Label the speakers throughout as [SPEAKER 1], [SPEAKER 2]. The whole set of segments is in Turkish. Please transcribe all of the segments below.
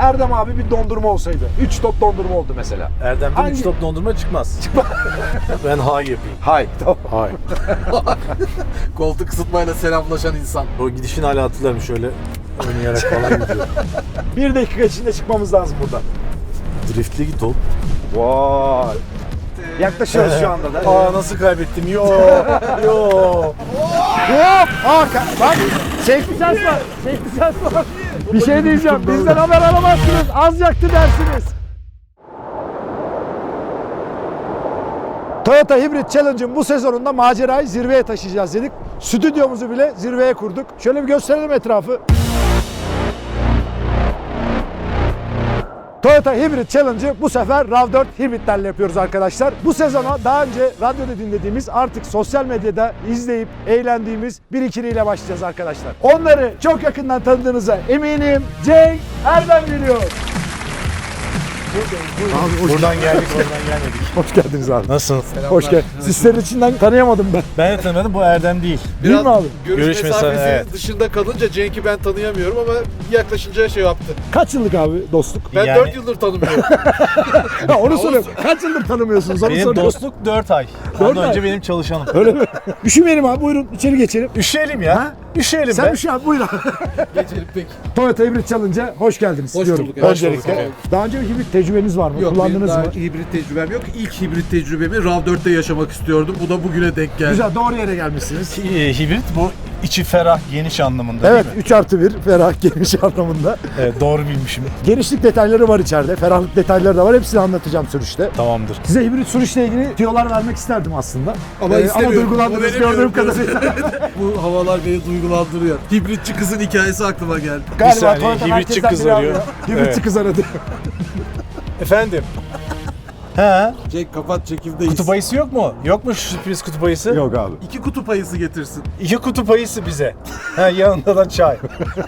[SPEAKER 1] Erdem abi bir dondurma olsaydı. 3 top dondurma oldu mesela.
[SPEAKER 2] Erdem'den
[SPEAKER 1] Hangi-
[SPEAKER 2] 3 top dondurma çıkmaz. Ben hay yapayım.
[SPEAKER 1] Hay. Tamam.
[SPEAKER 2] Hay.
[SPEAKER 3] Koltuk ısıtmayla selamlaşan insan.
[SPEAKER 2] O gidişini hala hatırlarım, şöyle oynayarak falan gidiyor.
[SPEAKER 1] 1 dakika içinde çıkmamız lazım buradan.
[SPEAKER 2] Driftli git ol.
[SPEAKER 1] Vay. Yaklaşıyoruz şu anda da.
[SPEAKER 2] Aa nasıl kaybettim? Yo.
[SPEAKER 1] Hop! Bak! Safety sense var. Safety sense var. Bir şey diyeceğim. Bizden haber alamazsınız. Az yaktı dersiniz. Toyota Hybrid Challenge'ın bu sezonunda macerayı zirveye taşıyacağız dedik. Stüdyomuzu bile zirveye kurduk. Şöyle bir gösterelim etrafı. Toyota Hybrid Challenge'ı bu sefer RAV4 Hybrid'lerle yapıyoruz arkadaşlar. Bu sezona daha önce radyoda dinlediğimiz, artık sosyal medyada izleyip eğlendiğimiz bir ikiliyle başlayacağız arkadaşlar. Onları çok yakından tanıdığınıza eminim. Cenk Erdem geliyor. Abi,
[SPEAKER 2] Buradan geldik, oradan gelmedik.
[SPEAKER 1] hoş geldiniz abi.
[SPEAKER 2] Nasılsın?
[SPEAKER 1] Hoş geldin. Sizlerin içinden tanıyamadım ben.
[SPEAKER 2] Ben de tanımadım, bu Erdem değil.
[SPEAKER 1] Değil mi abi?
[SPEAKER 3] Görüş mesafesi
[SPEAKER 2] evet.
[SPEAKER 3] dışında kalınca Cenk'i ben tanıyamıyorum ama yaklaşınca şey yaptı.
[SPEAKER 1] Kaç yıllık abi dostluk?
[SPEAKER 3] Ben
[SPEAKER 2] Yani-
[SPEAKER 3] 4 yıldır tanımıyorum.
[SPEAKER 1] Ha, onu soruyorum. Kaç yıldır tanımıyorsunuz? Onu
[SPEAKER 2] Benim
[SPEAKER 1] soruyorum.
[SPEAKER 2] dostluk 4 ay.
[SPEAKER 1] 4
[SPEAKER 2] Ondan
[SPEAKER 1] ay.
[SPEAKER 2] önce benim çalışanım.
[SPEAKER 1] Öyle mi? Üşümeyelim abi, buyurun içeri geçelim.
[SPEAKER 2] Üşüyelim ya.
[SPEAKER 1] Ha?
[SPEAKER 2] Üşüyelim
[SPEAKER 1] Sen
[SPEAKER 2] be.
[SPEAKER 1] üşü abi, buyur abi.
[SPEAKER 3] Geçelim peki.
[SPEAKER 1] Toyota Hybrid Challenge'a hoş geldiniz
[SPEAKER 3] Hoş
[SPEAKER 1] diyorum.
[SPEAKER 3] bulduk. Hoş
[SPEAKER 1] Öncelikle.
[SPEAKER 3] bulduk.
[SPEAKER 1] Daha önce bir hibrit tecrübeniz var mı?
[SPEAKER 3] Yok, benim
[SPEAKER 1] Kullandınız
[SPEAKER 3] daha
[SPEAKER 1] mı?
[SPEAKER 3] hibrit tecrübem yok. İlk hibrit tecrübemi RAV4'te yaşamak istiyordum. Bu da bugüne denk geldi.
[SPEAKER 1] Güzel, doğru yere gelmişsiniz.
[SPEAKER 2] Hibrit bu içi ferah, geniş anlamında
[SPEAKER 1] Evet,
[SPEAKER 2] değil mi?
[SPEAKER 1] 3+1 ferah geniş anlamında.
[SPEAKER 2] Evet, doğru bilmişim.
[SPEAKER 1] Genişlik detayları var içeride, ferahlık detayları da var. Hepsini anlatacağım sürüşte.
[SPEAKER 2] Tamamdır.
[SPEAKER 1] Size hibrit sürüşle ilgili tüyolar vermek isterdim aslında.
[SPEAKER 3] Ama istemiyorum.
[SPEAKER 1] duygulandınız
[SPEAKER 3] O
[SPEAKER 1] gördüğüm
[SPEAKER 3] veremiyorum.
[SPEAKER 1] kadarıyla.
[SPEAKER 3] Bu havalar beni duygulandırıyor. Hibritçi kızın hikayesi aklıma geldi.
[SPEAKER 1] Galiba
[SPEAKER 2] saniye,
[SPEAKER 1] Toyota
[SPEAKER 2] hibritçi
[SPEAKER 1] merkezden
[SPEAKER 2] kız
[SPEAKER 1] biri
[SPEAKER 2] arıyor.
[SPEAKER 1] arıyor. Hibritçi
[SPEAKER 2] Evet.
[SPEAKER 1] kız aradı.
[SPEAKER 2] Efendim? He?
[SPEAKER 3] Cenk kapat, çekimdeyiz.
[SPEAKER 2] Kutup ayısı yok mu? Yok mu şu sürpriz kutup ayısı?
[SPEAKER 1] Yok abi.
[SPEAKER 3] 2 kutup ayısı getirsin.
[SPEAKER 2] 2 kutup ayısı bize. Ha, yanında da çay.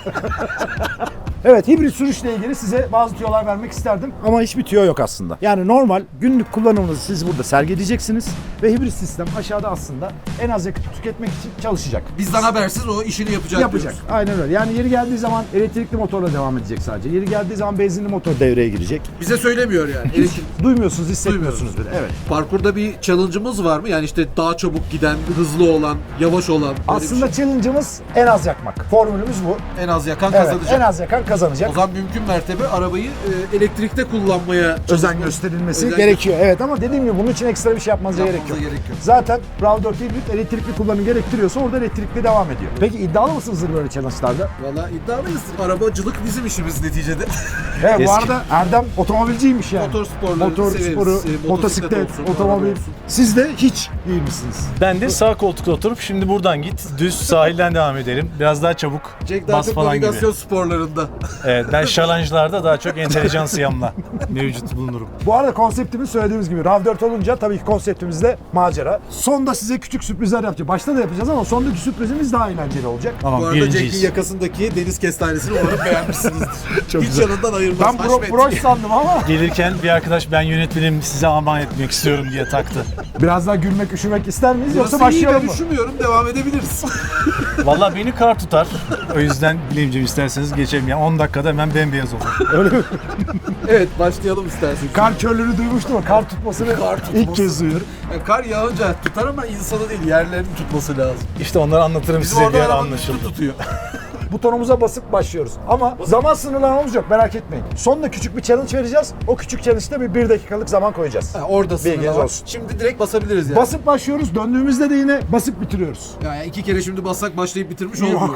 [SPEAKER 1] Evet, hibrit sürüşle ilgili size bazı tüyolar vermek isterdim ama hiçbir tüyo yok aslında. Yani normal günlük kullanımınızı siz burada sergileyeceksiniz ve hibrit sistem aşağıda aslında en az yakıt tüketmek için çalışacak.
[SPEAKER 3] Bizden habersiz o işini yapacak.
[SPEAKER 1] Yapacak.
[SPEAKER 3] diyoruz.
[SPEAKER 1] Aynen öyle. Yani yeri geldiği zaman elektrikli motorla devam edecek sadece. Yeri geldiği zaman benzinli motor devreye girecek.
[SPEAKER 3] Bize söylemiyor yani. Elektrik.
[SPEAKER 1] Duymuyorsunuz, hissetmiyorsunuz bile. Evet.
[SPEAKER 3] Parkurda bir challenge'ımız var mı? Yani işte daha çabuk giden, hızlı olan, yavaş olan. böyle bir
[SPEAKER 1] Aslında
[SPEAKER 3] şey.
[SPEAKER 1] challenge'ımız en az yakmak. Formülümüz bu.
[SPEAKER 3] En az yakan
[SPEAKER 1] Evet,
[SPEAKER 3] kazanacak.
[SPEAKER 1] en az yakan kazanacak.
[SPEAKER 3] O zaman mümkün mertebe arabayı elektrikte kullanmaya
[SPEAKER 1] Özen
[SPEAKER 3] çalışma-
[SPEAKER 1] gösterilmesi
[SPEAKER 3] özen
[SPEAKER 1] gerekiyor. Evet, ama dediğim gibi bunun için ekstra bir şey yapmanıza gerek yok.
[SPEAKER 3] Yapmanıza gerek yok.
[SPEAKER 1] Zaten RAV4 hibrit elektrikli kullanım gerektiriyorsa orada elektrikli devam ediyor. Peki iddialı mısınızdır böyle challenge'larda?
[SPEAKER 3] Valla iddialıyız. Arabacılık bizim işimiz neticede.
[SPEAKER 1] Evet, bu
[SPEAKER 2] Eski.
[SPEAKER 1] arada Erdem otomobilciymiş yani.
[SPEAKER 3] Motor sporları
[SPEAKER 1] Motor
[SPEAKER 3] severiz.
[SPEAKER 1] sporu,
[SPEAKER 3] Motosiklet
[SPEAKER 1] motosiklet,
[SPEAKER 3] olsun,
[SPEAKER 1] otomobil.
[SPEAKER 3] araba olsun.
[SPEAKER 1] Siz de hiç değil misiniz?
[SPEAKER 2] Ben de sağ koltukta oturup şimdi buradan git, düz sahilden devam edelim. Biraz daha çabuk
[SPEAKER 3] Cenk daha
[SPEAKER 2] bas
[SPEAKER 3] çok
[SPEAKER 2] falan gibi.
[SPEAKER 3] navigasyon sporlarında.
[SPEAKER 2] Evet, ben şalanjlarda daha çok entelijansiyamla mevcut bulunurum.
[SPEAKER 1] Bu arada konseptimiz söylediğimiz gibi RAV4 olunca tabii ki konseptimiz de macera. Sonda size küçük sürprizler yapacağız. Başta da yapacağız ama sondaki sürprizimiz daha eğlenceli olacak.
[SPEAKER 2] Tamam,
[SPEAKER 3] Bu arada Cenk'in
[SPEAKER 2] birinciyiz.
[SPEAKER 3] yakasındaki deniz kestanesini umarım beğenmişsinizdir.
[SPEAKER 1] Çok
[SPEAKER 3] Hiç
[SPEAKER 1] güzel.
[SPEAKER 3] yanından ayırmaz.
[SPEAKER 1] Ben
[SPEAKER 3] Haşmet.
[SPEAKER 1] broş sandım ama
[SPEAKER 2] Gelirken bir arkadaş ben yönetmenim size aman etmek istiyorum diye taktı.
[SPEAKER 1] biraz daha gülmek, üşümek ister miyiz yoksa
[SPEAKER 3] Burası iyi,
[SPEAKER 1] başlayalım
[SPEAKER 3] ben
[SPEAKER 1] mı?
[SPEAKER 3] üşümüyorum. Devam edebiliriz.
[SPEAKER 2] Vallahi beni kar tutar. O yüzden Bilemciğim isterseniz geçelim. Yani 10 dakikada hemen bembeyaz olur.
[SPEAKER 1] Öyle mi?
[SPEAKER 3] Evet, başlayalım isterseniz.
[SPEAKER 1] Kar körlüğünü duymuştum ama kar tutmasını
[SPEAKER 3] Kar tutması.
[SPEAKER 1] ilk kez duyuyorum.
[SPEAKER 3] Yani kar yağınca tutar ama insanı değil, yerlerini tutması lazım.
[SPEAKER 2] İşte onları anlatırım
[SPEAKER 3] Bizim
[SPEAKER 2] size
[SPEAKER 3] orada
[SPEAKER 2] bir ara
[SPEAKER 3] arabanın üstü
[SPEAKER 2] anlaşıldı.
[SPEAKER 3] tutuyor.
[SPEAKER 1] Butonumuza basıp başlıyoruz. Ama zaman sınırlamamız yok, merak etmeyin. Sonunda küçük bir challenge vereceğiz. O küçük challenge'da bir dakikalık zaman koyacağız.
[SPEAKER 3] Ha, orada
[SPEAKER 1] Bilginiz
[SPEAKER 3] sınırlar var.
[SPEAKER 1] olsun.
[SPEAKER 3] Şimdi direkt basabiliriz yani.
[SPEAKER 1] Basıp başlıyoruz, döndüğümüzde de yine basıp bitiriyoruz.
[SPEAKER 3] Yani 2 kere şimdi bassak başlayıp bitirmiş olmuyor.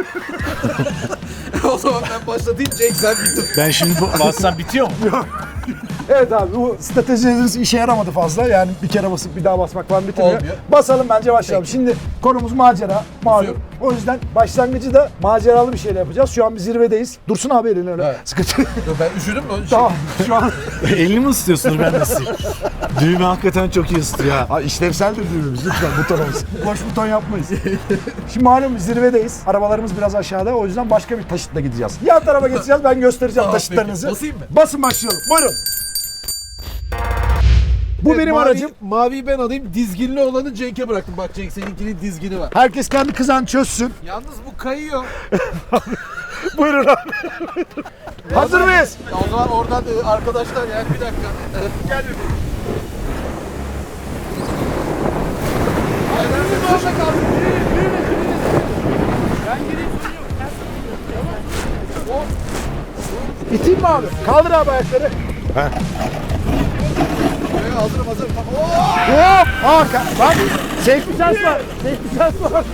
[SPEAKER 3] O zaman ben başlatayım, Cenk sen bitir.
[SPEAKER 2] Ben şimdi bassam bitiyor mu?
[SPEAKER 1] Evet abi, bu stratejilerimiz işe yaramadı fazla. Yani bir kere basıp bir daha basmak falan bitirmiyor.
[SPEAKER 3] Olmuyor.
[SPEAKER 1] Basalım bence, başlayalım.
[SPEAKER 3] Peki.
[SPEAKER 1] Şimdi konumuz macera, malum.
[SPEAKER 3] Basıyorum.
[SPEAKER 1] O yüzden başlangıcı da maceralı bir şeyle yapacağız. Şu an bir zirvedeyiz. Dursun abi elini öyle.
[SPEAKER 3] Evet.
[SPEAKER 1] Sıkıntı.
[SPEAKER 3] Ben üşüdüm mü?
[SPEAKER 1] Tamam, şu an
[SPEAKER 2] Elini mi ısıtıyorsunuz, ben nasıl? Düğme hakikaten çok iyi ısıtıyor ha.
[SPEAKER 1] Abi işlevseldir düğümümüz lütfen, butonumuz. Boş buton yapmayız. Şimdi malum zirvedeyiz. Arabalarımız biraz aşağıda, o yüzden başka bir taşıtla gideceğiz. Yan tarafa geçeceğiz, ben göstereceğim
[SPEAKER 3] Tamam,
[SPEAKER 1] taşıtlarınızı.
[SPEAKER 3] peki. Basayım mı?
[SPEAKER 1] Basın, başlayalım. Buyurun. Bu
[SPEAKER 3] Evet,
[SPEAKER 1] benim
[SPEAKER 3] mavi-
[SPEAKER 1] aracım.
[SPEAKER 3] Maviyi ben alayım. Dizginli olanı Cenk'e bıraktım. Bak Cenk, seninkinin dizgini var.
[SPEAKER 1] Herkes kendi kızağını çözsün.
[SPEAKER 3] Yalnız bu kayıyor.
[SPEAKER 1] Buyurun abi. Hazır mıyız?
[SPEAKER 3] O zaman oradan arkadaşlar yani bir dakika. Gel bir.
[SPEAKER 1] İteyim mi abi? Kaldır abi ayakları.
[SPEAKER 3] Hazırım.
[SPEAKER 1] Hop! Bak! Safety sense var. Safety sense var.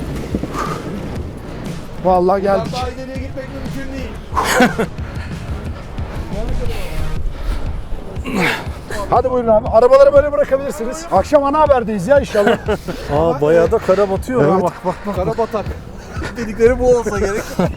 [SPEAKER 1] Vallahi geldik.
[SPEAKER 3] Daha ileriye gitmek mümkün değil.
[SPEAKER 1] Hadi buyurun abi. Arabaları böyle bırakabilirsiniz. Akşam ana haberdeyiz ya inşallah.
[SPEAKER 2] Aa bayağı da kara batıyor.
[SPEAKER 1] Evet.
[SPEAKER 2] Bak.
[SPEAKER 3] Karabatak. Dedikleri bu olsa gerek.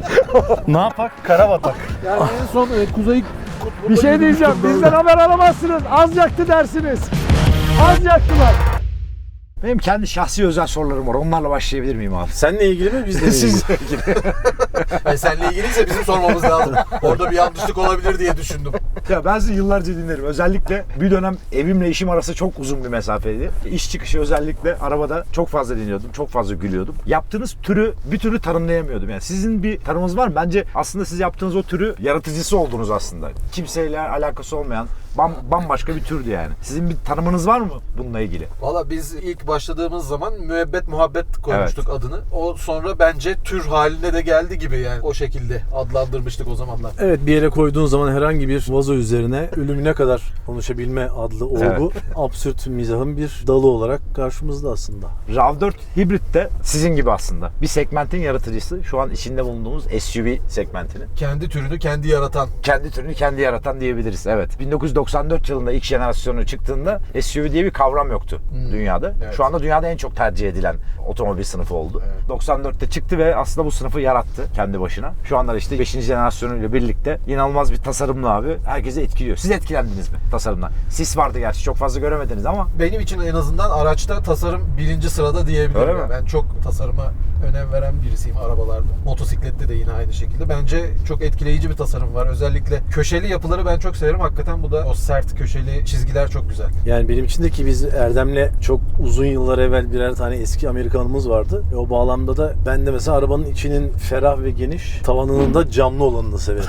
[SPEAKER 2] Ne yapak? Kara batak.
[SPEAKER 3] Yani en son Kuzey Kutbu'nda
[SPEAKER 1] Bir şey diyeceğim. Bizden haber alamazsınız. Az yaktı dersiniz. Az yaktılar. Benim kendi şahsi özel sorularım var. Onlarla başlayabilir miyim abi?
[SPEAKER 2] Seninle ilgili mi bizle ilgili?
[SPEAKER 1] Sizle ilgili.
[SPEAKER 3] Yani seninle ilgiliyse bizim sormamız lazım. Orada bir yanlışlık olabilir diye düşündüm.
[SPEAKER 1] Ya ben sizi yıllarca dinlerim. Özellikle bir dönem evimle işim arası çok uzun bir mesafeydi. İş çıkışı özellikle arabada çok fazla dinliyordum. Çok fazla gülüyordum. Yaptığınız türü bir türlü tanımlayamıyordum. Yani sizin bir tanımınız var mı? Bence aslında siz yaptığınız o türü yaratıcısı oldunuz aslında. Kimseyle alakası olmayan bambaşka bir türdü yani. Sizin bir tanımınız var mı bununla ilgili?
[SPEAKER 3] Valla biz ilk başladığımız zaman müebbet muhabbet koymuştuk adını. O sonra bence tür haline de geldi gibi yani. O şekilde adlandırmıştık o zamanlar.
[SPEAKER 2] Evet, bir yere koyduğun zaman herhangi bir vazo üzerine ölümüne kadar konuşabilme adlı olgu absürt mizahın bir dalı olarak karşımızda aslında.
[SPEAKER 1] RAV4 Hybrid de sizin gibi aslında. Bir segmentin yaratıcısı. Şu an içinde bulunduğumuz SUV segmentinin.
[SPEAKER 3] Kendi türünü kendi yaratan.
[SPEAKER 1] Kendi türünü kendi yaratan diyebiliriz. Evet. 1994 yılında ilk jenerasyonu çıktığında SUV diye bir kavram yoktu dünyada.
[SPEAKER 3] Evet.
[SPEAKER 1] Şu anda dünyada en çok tercih edilen otomobil sınıfı oldu. Evet. 94'te çıktı ve aslında bu sınıfı yarattı kendi başına. Şu anda işte 5. jenerasyonuyla birlikte inanılmaz bir tasarımla abi herkesi etkiliyor. Siz etkilendiniz mi tasarımdan? Sis vardı gerçi, çok fazla göremediniz ama.
[SPEAKER 3] Benim için en azından araçta tasarım birinci sırada diyebilirim.
[SPEAKER 1] Öyle mi?
[SPEAKER 3] Ben çok tasarıma önem veren birisiyim arabalarda. Motosiklette de yine aynı şekilde. Bence çok etkileyici bir tasarım var. Özellikle köşeli yapıları ben çok severim. Hakikaten bu da o sert köşeli çizgiler çok güzel.
[SPEAKER 2] Yani benim için de ki biz Erdem'le çok uzun yıllar evvel birer tane eski Amerikanımız vardı. O bağlamda da ben de mesela arabanın içinin ferah ve geniş, tavanının da camlı olanını severim.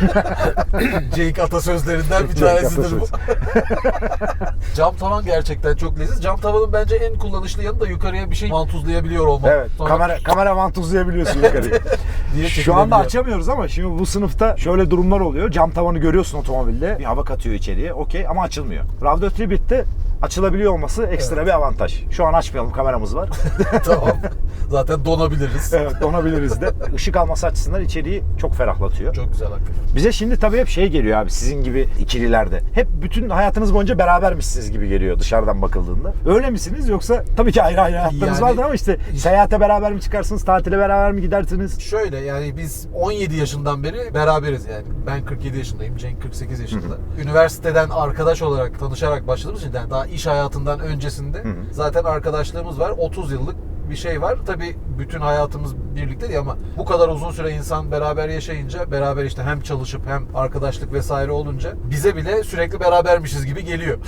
[SPEAKER 3] Jake atasözlerinden bir tanesidir bu. Cam tavan gerçekten çok leziz. Cam tavanın bence en kullanışlı yanı da yukarıya bir şey mantuzlayabiliyor olmak.
[SPEAKER 1] Evet.
[SPEAKER 3] Sonra
[SPEAKER 1] Kamera mantuzlayabiliyorsun yukarıyı.
[SPEAKER 3] diye
[SPEAKER 1] Şu anda
[SPEAKER 3] çekilebiliyor.
[SPEAKER 1] açamıyoruz ama şimdi bu sınıfta şöyle durumlar oluyor. Cam tavanı görüyorsun otomobilde. Bir hava katıyor içeriye. Okey ama açılmıyor. RAV4 Hybrid'de açılabiliyor olması ekstra bir avantaj. Şu an açmayalım, kameramız var.
[SPEAKER 3] Tamam. Zaten donabiliriz.
[SPEAKER 1] Evet, donabiliriz de. Işık alması açısından içeriği çok ferahlatıyor.
[SPEAKER 3] Çok güzel hakikaten.
[SPEAKER 1] Bize şimdi tabii hep şey geliyor abi, sizin gibi ikililerde. Hep bütün hayatınız boyunca berabermişsiniz gibi geliyor dışarıdan bakıldığında. Öyle misiniz yoksa tabii ki ayrı ayrı hayatlarınız
[SPEAKER 3] Yani-
[SPEAKER 1] vardır ama işte seyahate beraber mi çıkarsınız, tatile beraber mi gidersiniz?
[SPEAKER 3] Şöyle yani biz 17 yaşından beri beraberiz yani. Ben 47 yaşındayım, Cenk 48 yaşında. Üniversiteden arkadaş olarak tanışarak başladığımız için yani daha iş hayatından öncesinde zaten arkadaşlığımız var. 30 yıllık bir şey var. Tabii bütün hayatımız birlikte değil ama bu kadar uzun süre insan beraber yaşayınca, beraber işte hem çalışıp hem arkadaşlık vesaire olunca bize bile sürekli berabermişiz gibi geliyor.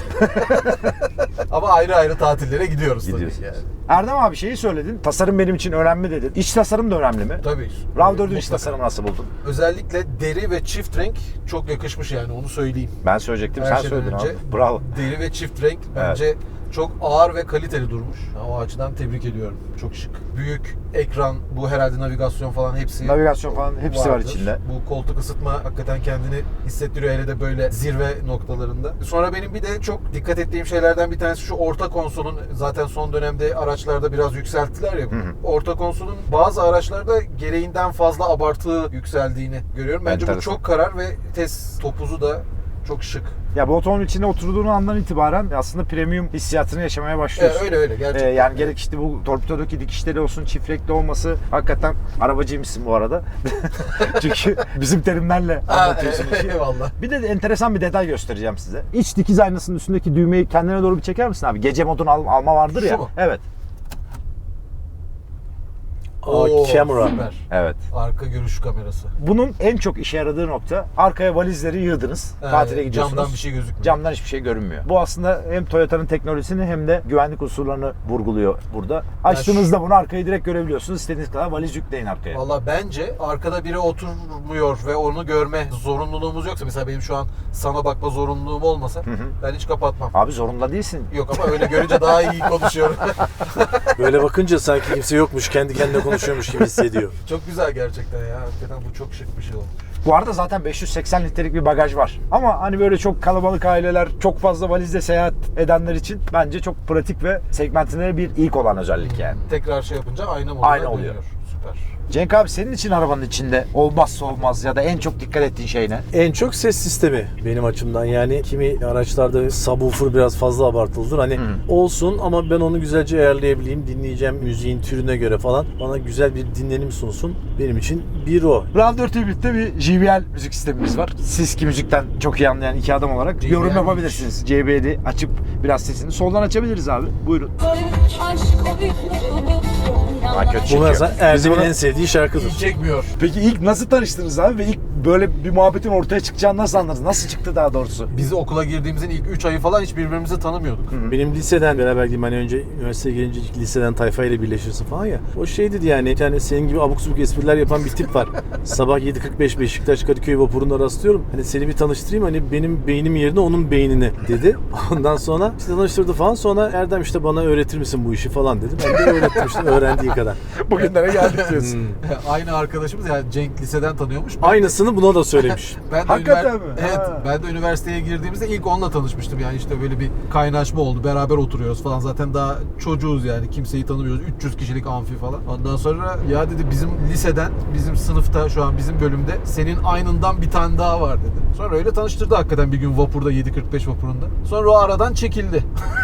[SPEAKER 3] Ama ayrı ayrı tatillere gidiyoruz tabii
[SPEAKER 1] Gidiyorsunuz.
[SPEAKER 3] yani.
[SPEAKER 1] Erdem abi şeyi söyledin, tasarım benim için önemli dedin. İç tasarım da önemli mi?
[SPEAKER 3] Tabii.
[SPEAKER 1] RAV4'ün iç
[SPEAKER 3] Mutlaka.
[SPEAKER 1] tasarımı nasıl buldun?
[SPEAKER 3] Özellikle deri ve çift renk çok yakışmış yani onu söyleyeyim.
[SPEAKER 1] Ben söyleyecektim,
[SPEAKER 3] Her
[SPEAKER 1] sen
[SPEAKER 3] şeyden
[SPEAKER 1] söyledin
[SPEAKER 3] önce
[SPEAKER 1] abi. Bravo.
[SPEAKER 3] Deri ve çift renk bence çok ağır ve kaliteli durmuş. O açıdan tebrik ediyorum. Çok şık. Büyük ekran, bu herhalde navigasyon falan hepsi
[SPEAKER 1] Navigasyon falan hepsi var
[SPEAKER 3] vardır.
[SPEAKER 1] içinde.
[SPEAKER 3] Bu koltuk ısıtma hakikaten kendini hissettiriyor hele de böyle zirve noktalarında. Sonra benim bir de çok dikkat ettiğim şeylerden bir tanesi şu orta konsolun, zaten son dönemde araçlarda biraz yükselttiler ya. Orta konsolun bazı araçlarda gereğinden fazla abartı yükseldiğini görüyorum. Bence bu
[SPEAKER 1] Enteresan.
[SPEAKER 3] çok karar ve test topuzu da çok şık.
[SPEAKER 1] Ya bu otomobilin içinde oturduğun andan itibaren aslında premium hissiyatını yaşamaya başlıyorsun.
[SPEAKER 3] Öyle gerçekten.
[SPEAKER 1] Yani gerek işte bu torpidodaki dikişleri olsun, çift renkli olması, hakikaten arabacıymışsın bu arada. Çünkü bizim terimlerle anlatıyorsun işi.
[SPEAKER 3] Eyvallah.
[SPEAKER 1] Bir de enteresan bir detay göstereceğim size. İç dikiz aynasının üstündeki düğmeyi kendine doğru bir çeker misin abi? Gece modunu alma vardır ya.
[SPEAKER 3] Şu mu?
[SPEAKER 1] Evet.
[SPEAKER 2] Camera.
[SPEAKER 3] Süper.
[SPEAKER 1] Evet.
[SPEAKER 3] Arka görüş kamerası.
[SPEAKER 1] Bunun en çok işe yaradığı nokta, arkaya valizleri yığdınız. Tatile gidiyorsunuz.
[SPEAKER 3] Camdan bir şey gözükmüyor.
[SPEAKER 1] Camdan hiçbir şey görünmüyor. Bu aslında hem Toyota'nın teknolojisini hem de güvenlik unsurlarını vurguluyor burada. Açtığınızda bunu arkayı direkt görebiliyorsunuz. İstediğiniz kadar valiz yükleyin arkaya.
[SPEAKER 3] Valla bence arkada biri oturmuyor ve onu görme zorunluluğumuz yoksa, mesela benim şu an sana bakma zorunluluğum olmasa ben hiç kapatmam.
[SPEAKER 1] Abi zorunda değilsin.
[SPEAKER 3] Yok ama öyle görünce daha iyi konuşuyorum.
[SPEAKER 2] Böyle bakınca sanki kimse yokmuş, kendi kendine konuşuyormuş gibi hissediyor.
[SPEAKER 3] Çok güzel gerçekten ya. Hakikaten bu çok şık bir şey olmuş.
[SPEAKER 1] Bu arada zaten 580 litrelik bir bagaj var. Ama hani böyle çok kalabalık aileler, çok fazla valizle seyahat edenler için bence çok pratik ve segmentine bir ilk olan özellik yani.
[SPEAKER 3] Tekrar şey yapınca ayna moduna
[SPEAKER 1] Ayna oluyor.
[SPEAKER 3] dönüyor. Süper.
[SPEAKER 1] Cenk abi, senin için arabanın içinde olmazsa olmaz ya da en çok dikkat ettiğin şey ne?
[SPEAKER 2] En çok ses sistemi benim açımdan. Yani kimi araçlarda subwoofer biraz fazla abartılıdır. Hani olsun ama ben onu güzelce ayarlayabileyim. Dinleyeceğim müziğin türüne göre falan. Bana güzel bir dinlenim sunsun. Benim için bir o.
[SPEAKER 1] RAV4 Hybrid'de bir JBL müzik sistemimiz var. Siz ki müzikten çok iyi anlayan iki adam olarak
[SPEAKER 3] JBL
[SPEAKER 1] yorum yapabilirsiniz. JBL'i açıp biraz sesini soldan açabiliriz abi. Buyurun. kötü
[SPEAKER 2] Bu
[SPEAKER 1] çekiyor.
[SPEAKER 2] mesela
[SPEAKER 1] Bizim
[SPEAKER 2] Erdem'in
[SPEAKER 1] bunu-
[SPEAKER 2] en sevdiği şarkıdır.
[SPEAKER 3] İyi çekmiyor.
[SPEAKER 1] Peki ilk nasıl tanıştınız abi ve ilk böyle bir muhabbetin ortaya çıkacağını nasıl anladınız? Nasıl çıktı daha doğrusu?
[SPEAKER 3] Biz okula girdiğimizin ilk 3 ayı falan hiç birbirimizi tanımıyorduk.
[SPEAKER 2] Benim liseden beraber gideyim, hani önce üniversiteye gelince liseden tayfayla birleşirsin falan ya. O şey dedi yani, bir tane senin gibi abuk subuk espriler yapan bir tip var. Sabah 7.45 Beşiktaş Kadıköy vapurunda rastlıyorum. Hani seni bir tanıştırayım, hani benim beynim yerine onun beynini dedi. Ondan sonra işte tanıştırdı falan. Sonra Erdem işte bana öğretir misin bu işi falan dedim. Ben de öğrettim işte öğrendiği kadar.
[SPEAKER 1] Bugünlere geldik diyorsun.
[SPEAKER 3] Aynı arkadaşımız, yani Cenk liseden tanıyormuş.
[SPEAKER 2] Aynısını buna da söylemiş.
[SPEAKER 3] Ben de
[SPEAKER 1] Hakikaten mi?
[SPEAKER 3] Evet,
[SPEAKER 1] Ha.
[SPEAKER 3] ben de üniversiteye girdiğimizde ilk onunla tanışmıştım. Yani işte böyle bir kaynaşma oldu. Beraber oturuyoruz falan. Zaten daha çocuğuz yani. Kimseyi tanımıyoruz. 300 kişilik amfi falan. Ondan sonra ya dedi, bizim liseden, bizim sınıfta, şu an bizim bölümde senin aynından bir tane daha var dedi. Sonra öyle tanıştırdı hakikaten bir gün vapurda, 7.45 vapurunda. Sonra o aradan çekildi.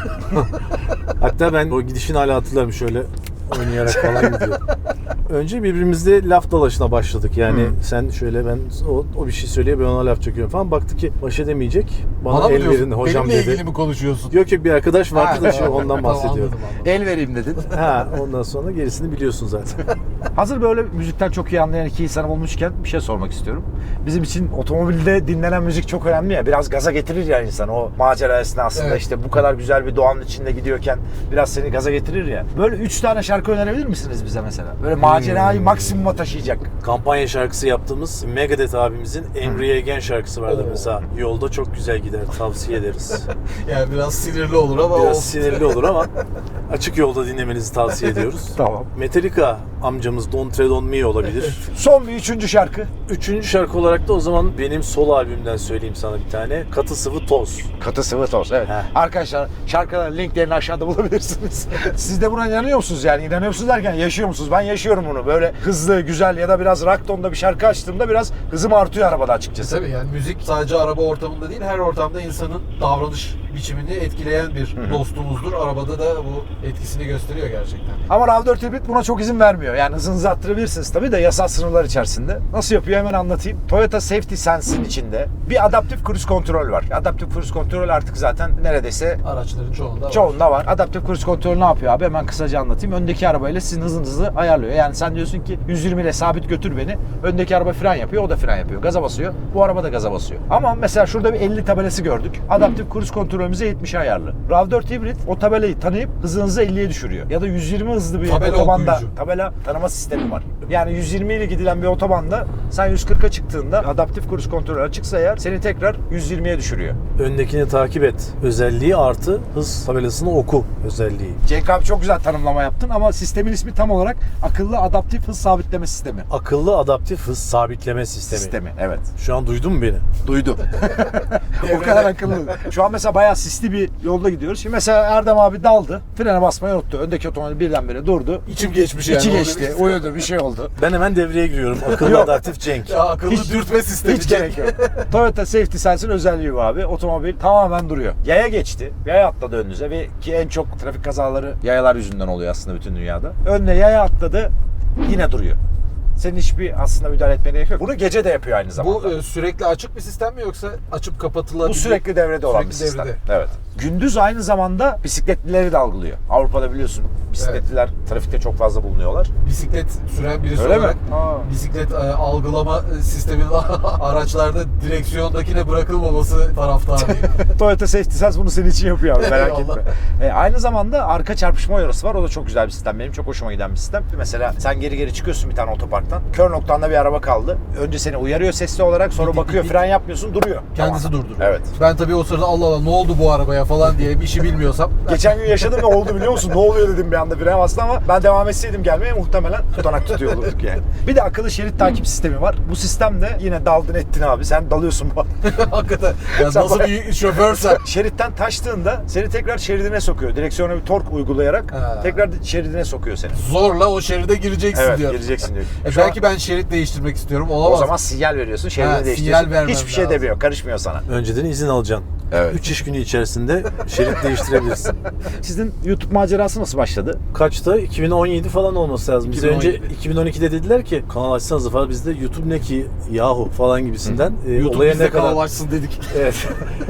[SPEAKER 2] Hatta ben o gidişini hala hatırlarım, şöyle oynayarak falan gidiyor. Önce birbirimizle laf dalaşına başladık. Yani sen şöyle, ben o bir şey söylüyor, ben ona laf çekiyorum falan. Baktı ki baş edemeyecek. Bana
[SPEAKER 3] mı
[SPEAKER 2] el
[SPEAKER 3] diyorsun?
[SPEAKER 2] verin hocam
[SPEAKER 3] Benimle
[SPEAKER 2] dedi.
[SPEAKER 3] ilgili mi konuşuyorsun?
[SPEAKER 2] Yok bir arkadaş vardı da
[SPEAKER 1] Ha,
[SPEAKER 2] şimdi ondan
[SPEAKER 3] Tamam,
[SPEAKER 2] bahsediyorum.
[SPEAKER 3] anladım.
[SPEAKER 1] El vereyim dedin.
[SPEAKER 2] Ha, ondan sonra gerisini biliyorsun zaten.
[SPEAKER 1] Hazır böyle müzikten çok iyi anlayan iki insan olmuşken bir şey sormak istiyorum. Bizim için otomobilde dinlenen müzik çok önemli ya. Biraz gaza getirir ya insan o macera esnasında,
[SPEAKER 3] Evet.
[SPEAKER 1] işte bu kadar güzel bir doğanın içinde gidiyorken biraz seni gaza getirir ya. Böyle 3 tane şarkı önerebilir misiniz bize mesela? Böyle macerayı maksimuma taşıyacak.
[SPEAKER 2] Kampanya şarkısı yaptığımız Megadeth abimizin Emre Again şarkısı vardır
[SPEAKER 3] Oo.
[SPEAKER 2] mesela. Yolda çok güzel gider, tavsiye ederiz.
[SPEAKER 3] Yani biraz sinirli olur ama
[SPEAKER 2] Biraz
[SPEAKER 3] olsun.
[SPEAKER 2] sinirli olur ama açık yolda dinlemenizi tavsiye ediyoruz.
[SPEAKER 1] Tamam.
[SPEAKER 2] Metallica amcamız Don't Tread On Me olabilir.
[SPEAKER 1] Son bir üçüncü şarkı.
[SPEAKER 2] Üçüncü şarkı olarak da o zaman benim solo albümden söyleyeyim sana bir tane. Katı Sıvı Toz.
[SPEAKER 1] Katı sıvı toz. Evet.
[SPEAKER 2] Heh.
[SPEAKER 1] Arkadaşlar şarkıların linklerini aşağıda bulabilirsiniz. Siz de buna inanıyor musunuz yani? İnanıyor musunuz derken yaşıyor musunuz? Ben yaşıyorum bunu. Böyle hızlı, güzel ya da biraz rock tonda bir şarkı açtığımda biraz hızım artıyor arabada açıkçası.
[SPEAKER 3] Tabii yani müzik sadece araba ortamında değil, her ortamda insanın davranış biçimini etkileyen bir dostumuzdur. Arabada da bu etkisini gösteriyor gerçekten.
[SPEAKER 1] Ama RAV4 Hybrid buna çok izin vermiyor. Yani hızınızı arttırabilirsiniz tabii de yasal sınırlar içerisinde. Nasıl yapıyor hemen anlatayım. Toyota Safety Sense'in içinde bir adaptif cruise kontrol var. Adaptif cruise kontrol artık zaten neredeyse
[SPEAKER 3] Araçların çoğunda var.
[SPEAKER 1] çoğunda var. Adaptif cruise kontrol ne yapıyor abi? Hemen kısaca anlatayım. Öndeki arabayla sizin hızınızı ayarlıyor. Yani sen diyorsun ki 120 ile sabit götür beni. Öndeki araba fren yapıyor, o da fren yapıyor. Gaza basıyor. Bu araba da gaza basıyor. Ama mesela şurada bir 50 tabelası gördük. Adaptif cruise kontrolümüze 70'e ayarlı. RAV4 Hybrid o tabelayı tanıyıp hızınızı 50'ye düşürüyor. Ya da 120 hızlı bir
[SPEAKER 3] Tabela
[SPEAKER 1] otobanda
[SPEAKER 3] okuyucu.
[SPEAKER 1] tabela tanıma sistemi var. Yani 120 ile gidilen bir otobanda sen 140'a çıktığında adaptif cruise kontrol açıksa eğer seni tekrar 120'ye düşürüyor.
[SPEAKER 2] Öndekini takip et özelliği artı hız tabelasını oku özelliği.
[SPEAKER 1] Cenk abi çok güzel tanımlama yaptın ama sistemin ismi tam olarak akıllı adaptif hız sabitleme sistemi.
[SPEAKER 2] Akıllı adaptif hız sabitleme sistemi.
[SPEAKER 1] Evet.
[SPEAKER 2] Şu an duydun mu beni?
[SPEAKER 1] Duydum. O kadar akıllı. Şu an mesela bayağı sisli bir yolda gidiyoruz. Şimdi mesela Erdem abi daldı. Frene basmayı unuttu. Öndeki otomobil birdenbire durdu.
[SPEAKER 3] İçim geçmiş yani.
[SPEAKER 1] İçi
[SPEAKER 3] Orada
[SPEAKER 1] geçti.
[SPEAKER 3] bir-
[SPEAKER 1] Uyudu. Bir şey oldu.
[SPEAKER 2] Ben hemen devreye giriyorum. Akıllı
[SPEAKER 1] Yok.
[SPEAKER 2] adaptif Cenk.
[SPEAKER 3] Ya akıllı dürtme sistemi.
[SPEAKER 1] Hiç gerek yok. Toyota Safety Sense'in özelliği bu abi. Otomobil tamamen duruyor. Yaya geçti. Yaya atladı önünüze ve ki en çok trafik kazaları yayalar yüzünden oluyor aslında bütün dünyada. Önüne yaya atladı. Yine duruyor. Senin hiçbir aslında müdahale etmene gerek yok. Bunu gece de yapıyor aynı zamanda.
[SPEAKER 3] Bu sürekli açık bir sistem mi yoksa açıp kapatılabilir?
[SPEAKER 1] Bu sürekli devrede olan bir
[SPEAKER 3] Sürekli
[SPEAKER 1] sistem.
[SPEAKER 3] devrede.
[SPEAKER 1] Evet. Gündüz aynı zamanda bisikletlileri de algılıyor. Avrupa'da biliyorsun
[SPEAKER 4] Bisikletliler trafikte çok fazla bulunuyorlar.
[SPEAKER 3] Bisiklet süren birisi
[SPEAKER 4] Öyle mi?
[SPEAKER 3] olarak
[SPEAKER 4] Aa.
[SPEAKER 3] bisiklet algılama sisteminin araçlarda direksiyondakine bırakılmaması taraftarıyım.
[SPEAKER 4] Toyota Safety Sense bunu senin için yapıyor abi, merak
[SPEAKER 3] Eyvallah.
[SPEAKER 4] etme. Aynı zamanda arka çarpışma uyarısı var. O da çok güzel bir sistem. Benim çok hoşuma giden bir sistem. Mesela sen geri çıkıyorsun bir tane otoparktan. Kör noktanda bir araba kaldı. Önce seni uyarıyor sesli olarak, sonra
[SPEAKER 3] Dik,
[SPEAKER 4] bakıyor,
[SPEAKER 3] dik,
[SPEAKER 4] fren yapmıyorsun, duruyor.
[SPEAKER 3] Kendisi
[SPEAKER 4] Tamam.
[SPEAKER 3] durduruyor.
[SPEAKER 4] Evet.
[SPEAKER 3] Ben tabii o sırada Allah Allah ne oldu bu arabaya falan diye bir işi bilmiyorsam.
[SPEAKER 4] Geçen gün yaşadım ve oldu biliyor musun? Ne oluyor dedim bir anda, fren bastı ama ben devam etseydim gelmeye muhtemelen tutanak tutuyor olurduk yani. Bir de akıllı şerit takip sistemi var. Bu sistemde yine daldın ettin abi. Sen dalıyorsun bu.
[SPEAKER 3] Hakikaten. Ya
[SPEAKER 4] Sen
[SPEAKER 3] nasıl
[SPEAKER 4] bak-
[SPEAKER 3] bir şoförsen.
[SPEAKER 4] Şeritten taştığında seni tekrar şeridine sokuyor. Direksiyona bir tork uygulayarak
[SPEAKER 3] Ha.
[SPEAKER 4] tekrar şeridine sokuyor seni.
[SPEAKER 3] Zorla o şeride gireceksin
[SPEAKER 4] Evet,
[SPEAKER 3] diyor.
[SPEAKER 4] gireceksin diyor.
[SPEAKER 3] Belki ben şerit değiştirmek istiyorum. Olamaz.
[SPEAKER 4] O zaman sinyal veriyorsun, şeridini
[SPEAKER 3] Ha,
[SPEAKER 4] değiştiriyorsun.
[SPEAKER 3] sinyal vermem
[SPEAKER 4] Hiçbir şey
[SPEAKER 3] lazım.
[SPEAKER 4] demiyor, karışmıyor sana.
[SPEAKER 2] Önceden izin alacaksın.
[SPEAKER 4] Evet.
[SPEAKER 2] 3 iş günü içerisinde şerit değiştirebilirsin.
[SPEAKER 4] Sizin YouTube macerası nasıl başladı?
[SPEAKER 2] Kaçta? 2017 falan olması lazım. Bize önce
[SPEAKER 3] 2017.
[SPEAKER 2] 2012'de dediler ki kanal açsanız falan, biz de YouTube ne ki yahu falan gibisinden.
[SPEAKER 3] YouTube
[SPEAKER 2] Olaya
[SPEAKER 3] bize
[SPEAKER 2] ne kadar
[SPEAKER 3] kanal açsın dedik.
[SPEAKER 2] evet.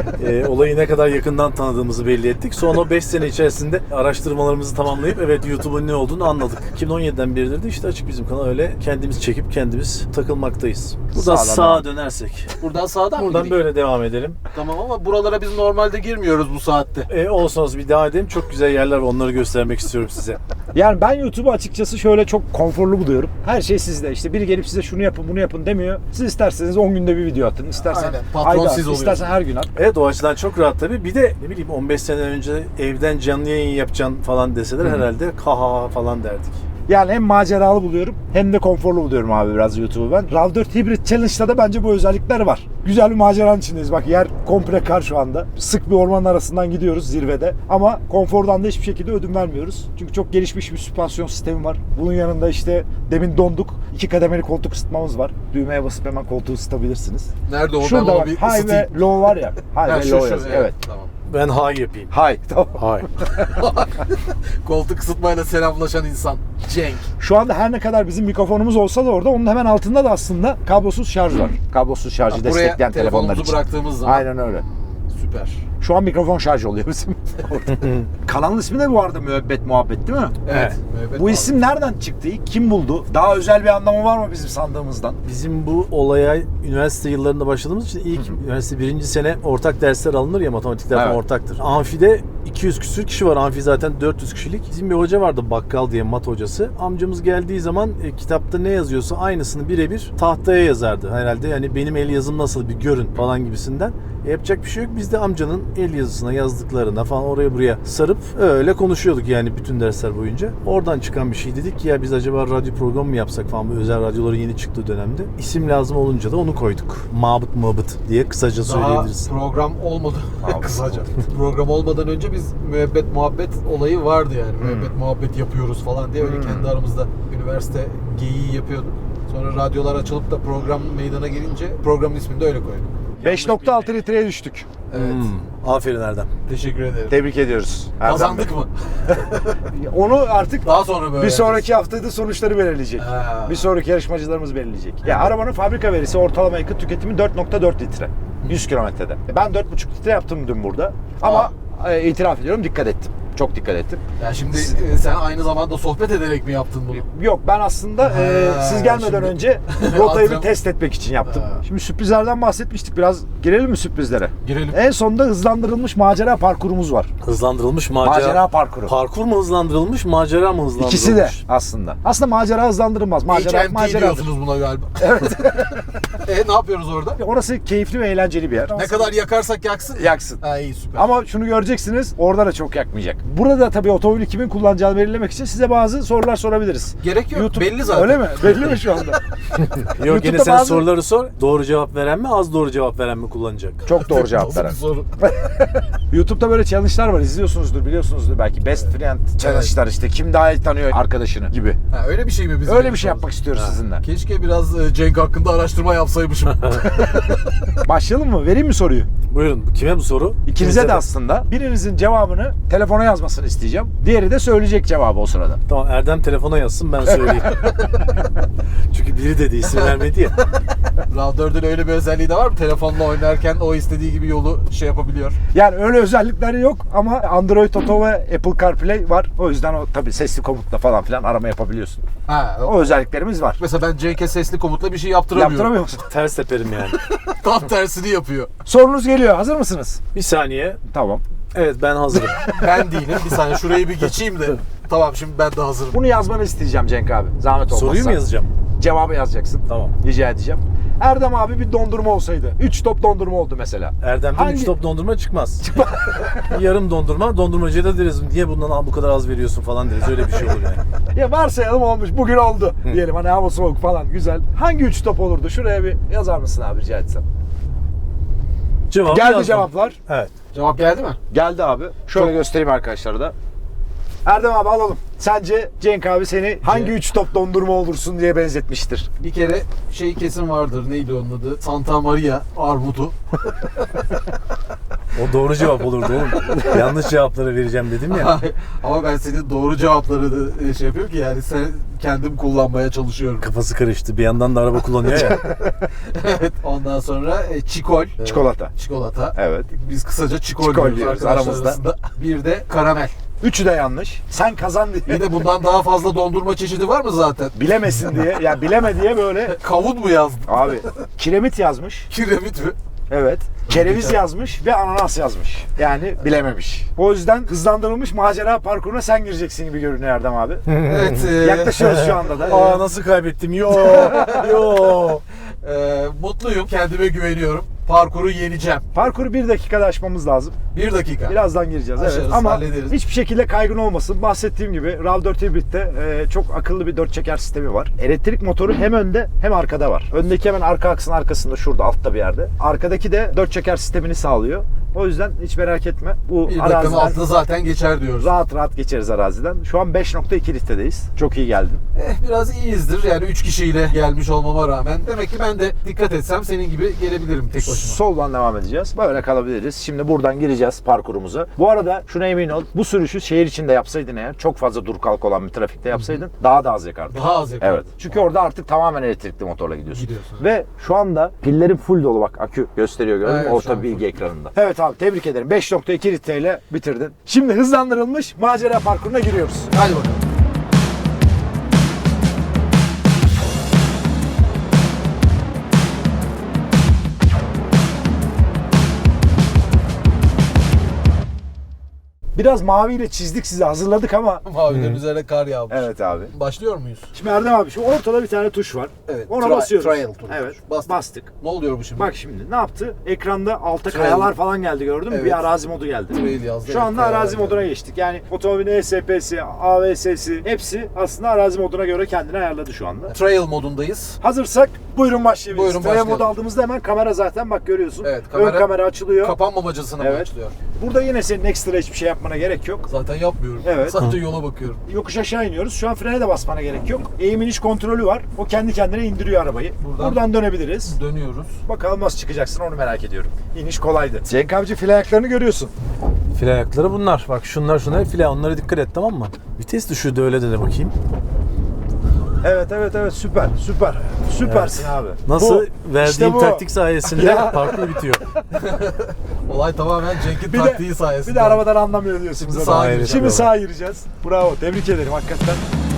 [SPEAKER 2] Olayı ne kadar yakından tanıdığımızı belli ettik. Sonra o 5 sene içerisinde araştırmalarımızı tamamlayıp evet YouTube'un ne olduğunu anladık. 2017'den beridir de işte açık bizim kanal, öyle kendimiz çekip kendimiz takılmaktayız. Buradan
[SPEAKER 4] Sağdan
[SPEAKER 2] sağa dönersek.
[SPEAKER 3] Buradan sağdan mı
[SPEAKER 2] Buradan
[SPEAKER 3] gireyim?
[SPEAKER 2] böyle devam edelim.
[SPEAKER 3] Tamam ama buralara biz normalde girmiyoruz bu saatte.
[SPEAKER 2] Olsanız bir devam edelim. Çok güzel yerler var. Onları göstermek istiyorum size.
[SPEAKER 1] Yani ben YouTube'u açıkçası şöyle çok konforlu buluyorum. Her şey sizde. İşte biri gelip size şunu yapın bunu yapın demiyor. Siz isterseniz 10 günde bir video atın. İstersen
[SPEAKER 3] Aynen. Patron
[SPEAKER 1] ayda
[SPEAKER 3] siz
[SPEAKER 1] at,
[SPEAKER 3] oluyorsunuz.
[SPEAKER 1] istersen her gün at.
[SPEAKER 2] Evet, o açıdan çok rahat tabii. Bir de ne bileyim 15 sene önce evden canlı yayın yapacaksın falan deseler herhalde kaha falan derdik.
[SPEAKER 1] Yani hem maceralı buluyorum hem de konforlu buluyorum abi biraz YouTube'u ben. RAV4 Hybrid Challenge'da da bence bu özellikler var. Güzel bir maceranın içindeyiz. Bak yer komple kar şu anda. Sık bir ormanın arasından gidiyoruz zirvede. Ama konfordan da hiçbir şekilde ödün vermiyoruz. Çünkü çok gelişmiş bir süspansiyon sistemi var. Bunun yanında işte demin donduk. 2 kademeli koltuk ısıtmamız var. Düğmeye basıp hemen koltuğu ısıtabilirsiniz.
[SPEAKER 3] Nerede o?
[SPEAKER 1] Şurada
[SPEAKER 3] ben onu
[SPEAKER 1] bak
[SPEAKER 3] bir
[SPEAKER 1] high ve
[SPEAKER 3] ısıtayım.
[SPEAKER 1] low var ya. High
[SPEAKER 3] Ha,
[SPEAKER 1] ve
[SPEAKER 3] şu,
[SPEAKER 1] low
[SPEAKER 3] şu,
[SPEAKER 1] yazıyor. Evet.
[SPEAKER 3] Tamam.
[SPEAKER 2] Ben high yapayım.
[SPEAKER 1] High. Tamam.
[SPEAKER 2] High.
[SPEAKER 3] Koltuk ısıtmayla selamlaşan insan. Cenk.
[SPEAKER 1] Şu anda her ne kadar bizim mikrofonumuz olsa da orada onun hemen altında da aslında kablosuz şarj var. Kablosuz şarjı
[SPEAKER 3] Buraya
[SPEAKER 1] destekleyen telefonlar
[SPEAKER 3] telefonumuzu
[SPEAKER 1] için.
[SPEAKER 3] bıraktığımız zaman.
[SPEAKER 1] Aynen öyle.
[SPEAKER 3] Süper.
[SPEAKER 1] Şu an mikrofon şarj oluyor bizim. Kanalın ismi de bu arada Müebbet Muhabbet değil mi?
[SPEAKER 3] Evet.
[SPEAKER 1] Bu isim nereden çıktı? Kim buldu? Daha özel bir anlamı var mı bizim sandığımızdan?
[SPEAKER 2] Bizim bu olaya üniversite yıllarında başladığımız için ilk üniversite 1. sene ortak dersler alınır ya, matematikler falan
[SPEAKER 1] Evet.
[SPEAKER 2] ortaktır. Amfide 200 küsür kişi var. Amfi zaten 400 kişilik. Bizim bir hoca vardı, bakkal diye, mat hocası. Amcamız geldiği zaman kitapta ne yazıyorsa aynısını birebir tahtaya yazardı. Herhalde yani benim el yazım nasıl bir görün falan gibisinden. Yapacak bir şey yok. Biz de amcanın el yazısına yazdıklarına falan oraya buraya sarıp öyle konuşuyorduk yani bütün dersler boyunca. Oradan çıkan bir şey, dedik ki ya biz acaba radyo programı mı yapsak falan, bu özel radyoları yeni çıktığı dönemde. İsim lazım olunca da onu koyduk. Mabıt diye kısaca
[SPEAKER 3] Daha
[SPEAKER 2] söyleyebiliriz.
[SPEAKER 3] program olmadı. Kısaca. Program olmadan önce biz müebbet muhabbet olayı vardı yani. Müebbet muhabbet yapıyoruz falan diye öyle kendi aramızda üniversite geyiği yapıyorduk. Sonra radyolar açılıp da program meydana gelince programın ismini de öyle koyduk.
[SPEAKER 1] 5.6 litreye düştük.
[SPEAKER 3] Evet.
[SPEAKER 2] Aferin Erdem.
[SPEAKER 3] Teşekkür ederim.
[SPEAKER 4] Tebrik ediyoruz. Erdem
[SPEAKER 3] Kazandık
[SPEAKER 4] Bey.
[SPEAKER 3] mı?
[SPEAKER 1] Onu artık
[SPEAKER 3] Daha sonra böyle.
[SPEAKER 1] bir sonraki haftada sonuçları belirleyecek.
[SPEAKER 3] Ha.
[SPEAKER 1] Bir sonraki yarışmacılarımız belirleyecek. Ya arabanın fabrika verisi ortalama yakıt tüketimi 4.4 litre. 100 kilometrede. Ben 4.5 litre yaptım dün burada. Ama itiraf ediyorum dikkat ettim. Çok dikkat ettim.
[SPEAKER 3] Ya şimdi sen aynı zamanda sohbet ederek mi yaptın bunu?
[SPEAKER 1] Yok ben aslında siz gelmeden
[SPEAKER 3] şimdi-
[SPEAKER 1] önce rotayı bir
[SPEAKER 3] Antrenman-
[SPEAKER 1] test etmek için yaptım.
[SPEAKER 3] Ha.
[SPEAKER 1] Şimdi sürprizlerden bahsetmiştik. Biraz girelim mi sürprizlere?
[SPEAKER 3] Girelim.
[SPEAKER 1] En sonunda hızlandırılmış macera parkurumuz var.
[SPEAKER 2] Hızlandırılmış macera.
[SPEAKER 1] Macera parkuru.
[SPEAKER 2] Parkur mu hızlandırılmış, macera mı hızlandırılmış?
[SPEAKER 1] İkisi de aslında. Aslında macera hızlandırılmaz. Macera
[SPEAKER 3] HMT
[SPEAKER 1] maceradır.
[SPEAKER 3] diyorsunuz buna galiba. Evet. Ne yapıyoruz orada?
[SPEAKER 1] Orası keyifli ve eğlenceli bir yer.
[SPEAKER 3] Ne kadar yakarsak yaksın.
[SPEAKER 1] yaksın.
[SPEAKER 3] Ha iyi süper.
[SPEAKER 1] Ama şunu göreceksiniz, orada da çok yakmayacak. Burada tabii otomobili kimin kullanacağını belirlemek için size bazı sorular sorabiliriz.
[SPEAKER 3] Gerek yok. Belli zaten.
[SPEAKER 1] Öyle mi? Belli mi şu anda?
[SPEAKER 2] Yok, yine
[SPEAKER 1] YouTube'da
[SPEAKER 2] sen
[SPEAKER 1] bazı-
[SPEAKER 2] soruları sor. Doğru cevap veren mi, az doğru cevap veren mi kullanacak?
[SPEAKER 1] Çok doğru cevap
[SPEAKER 3] Nasıl bir
[SPEAKER 1] veren.
[SPEAKER 3] soru?
[SPEAKER 1] YouTube'da böyle challenge'lar var. İzliyorsunuzdur, biliyorsunuzdur belki. Best Friend challenge'lar işte. Kim daha iyi tanıyor arkadaşını gibi.
[SPEAKER 3] Ha, öyle bir şey mi biz?
[SPEAKER 1] Öyle bir şey yapmak istiyoruz sizinle.
[SPEAKER 3] Keşke biraz Cenk hakkında araştırma yapsaymışım.
[SPEAKER 1] Başlayalım mı? Vereyim mi soruyu?
[SPEAKER 2] Buyurun, kime bu soru?
[SPEAKER 1] İkinize de aslında. Birinizin cevabını telefona yazmasını isteyeceğim. Diğeri de söyleyecek cevabı o sırada.
[SPEAKER 2] Tamam, Erdem telefona yazsın, ben söyleyeyim. Çünkü biri dedi, isim vermedi ya.
[SPEAKER 3] RAV4'ün öyle bir özelliği de var mı? Telefonla oynarken o istediği gibi yolu şey yapabiliyor.
[SPEAKER 1] Yani öyle özellikleri yok ama Android Auto ve Apple CarPlay var. O yüzden o tabii sesli komutla falan filan arama yapabiliyorsun.
[SPEAKER 3] Ha,
[SPEAKER 1] O özelliklerimiz var.
[SPEAKER 3] mesela ben Cenk'e sesli komutla bir şey yaptıramıyorum.
[SPEAKER 1] Yaptıramıyor musun?
[SPEAKER 2] Ters teperim yani.
[SPEAKER 3] Tam tersini yapıyor.
[SPEAKER 1] Sorunuz geliyor. Hazır mısınız?
[SPEAKER 2] Bir saniye.
[SPEAKER 1] Tamam.
[SPEAKER 2] Evet, ben hazırım.
[SPEAKER 3] Ben değilim. Bir saniye şurayı bir geçeyim de. Tamam, şimdi ben de hazırım.
[SPEAKER 1] Bunu yazmanı isteyeceğim Cenk abi. Zahmet olmazsa.
[SPEAKER 2] Soruyu mu yazacağım?
[SPEAKER 1] Cevabı yazacaksın.
[SPEAKER 2] Tamam.
[SPEAKER 1] Rica edeceğim. Erdem abi bir dondurma olsaydı. 3 top dondurma oldu mesela.
[SPEAKER 2] Erdem'den
[SPEAKER 1] Hangi-
[SPEAKER 2] 3 top dondurma çıkmaz. Yarım dondurma. Dondurmacıya da deriz, niye bundan bu kadar az veriyorsun falan deriz. Öyle bir şey olur yani.
[SPEAKER 1] Ya varsayalım olmuş. Bugün oldu. Diyelim hani hava soğuk falan. Güzel. Hangi 3 top olurdu? Şuraya bir yazar mısın abi rica etsem?
[SPEAKER 2] Cevap
[SPEAKER 1] Geldi
[SPEAKER 2] yazdım.
[SPEAKER 1] cevaplar.
[SPEAKER 2] Evet.
[SPEAKER 3] Cevap geldi mi?
[SPEAKER 1] Geldi abi. Şöyle göstereyim arkadaşlara da. Erdem abi alalım. Sence Cenk abi seni hangi 3 top dondurma olursun diye benzetmiştir?
[SPEAKER 3] Bir kere şey kesin vardır. Neydi onun adı? Santa Maria armudu.
[SPEAKER 2] O doğru cevap olurdu oğlum. Yanlış cevapları vereceğim dedim ya.
[SPEAKER 3] Ama ben senin doğru cevapları da şey yapıyorum ki yani sen kendim kullanmaya çalışıyorum.
[SPEAKER 2] Kafası karıştı. Bir yandan da araba kullanıyor ya.
[SPEAKER 3] Evet. Ondan sonra çikol.
[SPEAKER 1] Çikolata.
[SPEAKER 3] Çikolata.
[SPEAKER 1] Evet.
[SPEAKER 3] Biz kısaca çikol,
[SPEAKER 1] Çikol
[SPEAKER 3] diyoruz
[SPEAKER 1] diyoruz
[SPEAKER 3] arkadaşlar
[SPEAKER 1] aramızda.
[SPEAKER 3] arasında. Bir de karamel.
[SPEAKER 1] Üçü de yanlış. Sen kazan diye.
[SPEAKER 3] Bir de bundan daha fazla dondurma çeşidi var mı zaten?
[SPEAKER 1] Bilemesin diye. Ya bileme diye böyle.
[SPEAKER 3] Kavun mu yazdın?
[SPEAKER 1] Abi kiremit yazmış.
[SPEAKER 3] Kiremit mi?
[SPEAKER 1] Evet. Kereviz yazmış ve ananas yazmış. Yani bilememiş. O yüzden hızlandırılmış macera parkuruna sen gireceksin gibi görünüyor Erdem abi.
[SPEAKER 3] Evet.
[SPEAKER 1] Yaklaşıyoruz şu anda da.
[SPEAKER 2] Aa, nasıl kaybettim? Yo. Yo.
[SPEAKER 3] Mutluyum. Kendime güveniyorum. Parkuru yeneceğim.
[SPEAKER 1] Parkuru 1 dakikada aşmamız lazım.
[SPEAKER 3] 1 dakika.
[SPEAKER 1] Birazdan gireceğiz. Evet.
[SPEAKER 3] Aşarız,
[SPEAKER 1] Ama
[SPEAKER 3] hallederiz.
[SPEAKER 1] hiçbir şekilde kaygın olmasın. Bahsettiğim gibi RAV4 Hybrid'de çok akıllı bir 4 çeker sistemi var. Elektrik motoru hem önde hem arkada var. Öndeki hemen arka aksın arkasında şurada altta bir yerde. Arkadaki de 4 çeker sistemini sağlıyor. O yüzden hiç merak etme. Bu
[SPEAKER 3] 1 dakikanın
[SPEAKER 1] araziden
[SPEAKER 3] altında zaten geçer diyoruz.
[SPEAKER 1] rahat rahat geçeriz araziden. Şu an 5.2 litredeyiz. Çok iyi geldin.
[SPEAKER 3] Biraz iyiyizdir. Yani 3 kişiyle gelmiş olmama rağmen. Demek ki ben de dikkat etsem senin gibi gelebilirim tek başıma.
[SPEAKER 1] Soldan devam edeceğiz. Böyle kalabiliriz. Şimdi buradan gireceğiz parkurumuza. Bu arada şuna emin ol. Bu sürüşü şehir içinde yapsaydın eğer, çok fazla dur kalk olan bir trafikte yapsaydın daha da az yakardın.
[SPEAKER 3] Daha az yakardın.
[SPEAKER 1] Evet. Çünkü orada artık tamamen elektrikli motorla gidiyorsun.
[SPEAKER 3] Gidiyorsun.
[SPEAKER 1] Ve şu anda pillerin full dolu, bak akü gösteriyor gördün mü?
[SPEAKER 3] Evet, şu
[SPEAKER 1] Orta
[SPEAKER 3] an
[SPEAKER 1] bilgi
[SPEAKER 3] full.
[SPEAKER 1] ekranında. Evet abi tebrik ederim. 5.2 litreyle bitirdin. Şimdi hızlandırılmış macera parkuruna giriyoruz.
[SPEAKER 3] Hadi bakalım.
[SPEAKER 1] Biraz maviyle çizdik, sizi hazırladık ama
[SPEAKER 3] Mavilerin üzerine kar yağmış.
[SPEAKER 1] evet abi.
[SPEAKER 3] Başlıyor muyuz?
[SPEAKER 1] Şimdi Erdem abi şu ortada bir tane tuş var.
[SPEAKER 3] Evet.
[SPEAKER 1] Ona basıyoruz.
[SPEAKER 3] Trial tuşu.
[SPEAKER 1] Evet.
[SPEAKER 3] Bastık.
[SPEAKER 1] Bastık.
[SPEAKER 3] Ne oluyor bu şimdi?
[SPEAKER 1] Bak şimdi ne yaptı? Ekranda alta
[SPEAKER 3] Trail.
[SPEAKER 1] kayalar falan geldi gördün mü?
[SPEAKER 3] Evet.
[SPEAKER 1] Bir arazi modu geldi.
[SPEAKER 3] Trail yazdı,
[SPEAKER 1] Şu
[SPEAKER 3] evet,
[SPEAKER 1] anda
[SPEAKER 3] kayalar
[SPEAKER 1] arazi
[SPEAKER 3] geldi.
[SPEAKER 1] moduna geçtik. Yani otomobilin ESP'si, AVS'si hepsi aslında arazi moduna göre kendini ayarladı şu anda.
[SPEAKER 3] Trail modundayız.
[SPEAKER 1] Hazırsak buyurun başlayabiliriz.
[SPEAKER 3] Buyurun
[SPEAKER 1] Trail
[SPEAKER 3] başlayalım.
[SPEAKER 1] modu aldığımızda hemen kamera zaten bak görüyorsun.
[SPEAKER 3] Evet,
[SPEAKER 1] Ön kamera açılıyor.
[SPEAKER 3] Kapanmamacasına mı
[SPEAKER 1] Evet.
[SPEAKER 3] açılıyor?
[SPEAKER 1] Burada yine senin ekstra hiçbir şey yapmana gerek yok.
[SPEAKER 3] Zaten yapmıyorum.
[SPEAKER 1] Evet.
[SPEAKER 3] Sadece yola bakıyorum.
[SPEAKER 1] Yokuş aşağı iniyoruz. Şu an frene de basmana gerek yok. Eğim iniş kontrolü var. O kendi kendine indiriyor arabayı. Buradan dönebiliriz.
[SPEAKER 3] Dönüyoruz.
[SPEAKER 1] Bakalım nasıl çıkacaksın onu merak ediyorum. İniş kolaydı. Cenk abici fil ayaklarını görüyorsun.
[SPEAKER 2] Fil ayakları bunlar. Bak şunlar file. Onlara dikkat et, tamam mı? Vites düşürdü öyle de bakayım.
[SPEAKER 1] Evet süper. Süpersin abi.
[SPEAKER 2] Nasıl?
[SPEAKER 1] Bu,
[SPEAKER 2] Verdiğim
[SPEAKER 1] işte bu.
[SPEAKER 2] taktik sayesinde
[SPEAKER 1] Ya.
[SPEAKER 2] parkur bitiyor.
[SPEAKER 3] Olay tamamen Cenk'in
[SPEAKER 1] Bir
[SPEAKER 3] taktiği
[SPEAKER 1] de,
[SPEAKER 3] sayesinde.
[SPEAKER 1] bir de arabadan anlamıyor diyorsun.
[SPEAKER 3] Şimdi
[SPEAKER 1] zaten.
[SPEAKER 3] sağa
[SPEAKER 2] Aynen.
[SPEAKER 3] gireceğim.
[SPEAKER 1] Şimdi
[SPEAKER 2] Bravo.
[SPEAKER 1] sağa gireceğiz. Bravo. Tebrik ederim hakikaten.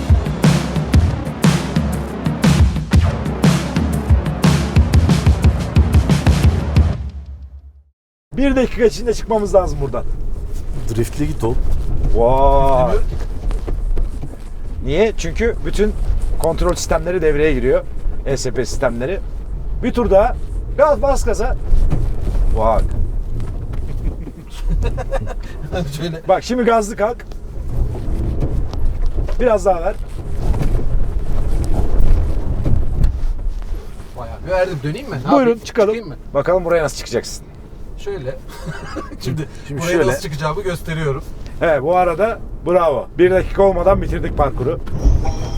[SPEAKER 1] Bir dakika içinde çıkmamız lazım buradan.
[SPEAKER 2] Driftli git oğlum.
[SPEAKER 1] Vay.
[SPEAKER 3] Demiyorum ki.
[SPEAKER 1] Niye? Çünkü bütün kontrol sistemleri devreye giriyor. ESP sistemleri. Bir tur daha. Biraz bas gaza. Bak.
[SPEAKER 3] Şöyle.
[SPEAKER 1] Bak şimdi gazlı kalk. Biraz daha ver.
[SPEAKER 3] Bayağı bir verdim. Döneyim mi? Ne
[SPEAKER 1] Buyurun
[SPEAKER 3] yapayım?
[SPEAKER 1] çıkalım.
[SPEAKER 3] Çıkayım mı?
[SPEAKER 1] Bakalım buraya nasıl çıkacaksın.
[SPEAKER 3] Şöyle. Şimdi buraya
[SPEAKER 2] şöyle.
[SPEAKER 3] nasıl çıkacağımı gösteriyorum.
[SPEAKER 1] Evet bu arada bravo. 1 dakika olmadan bitirdik parkuru.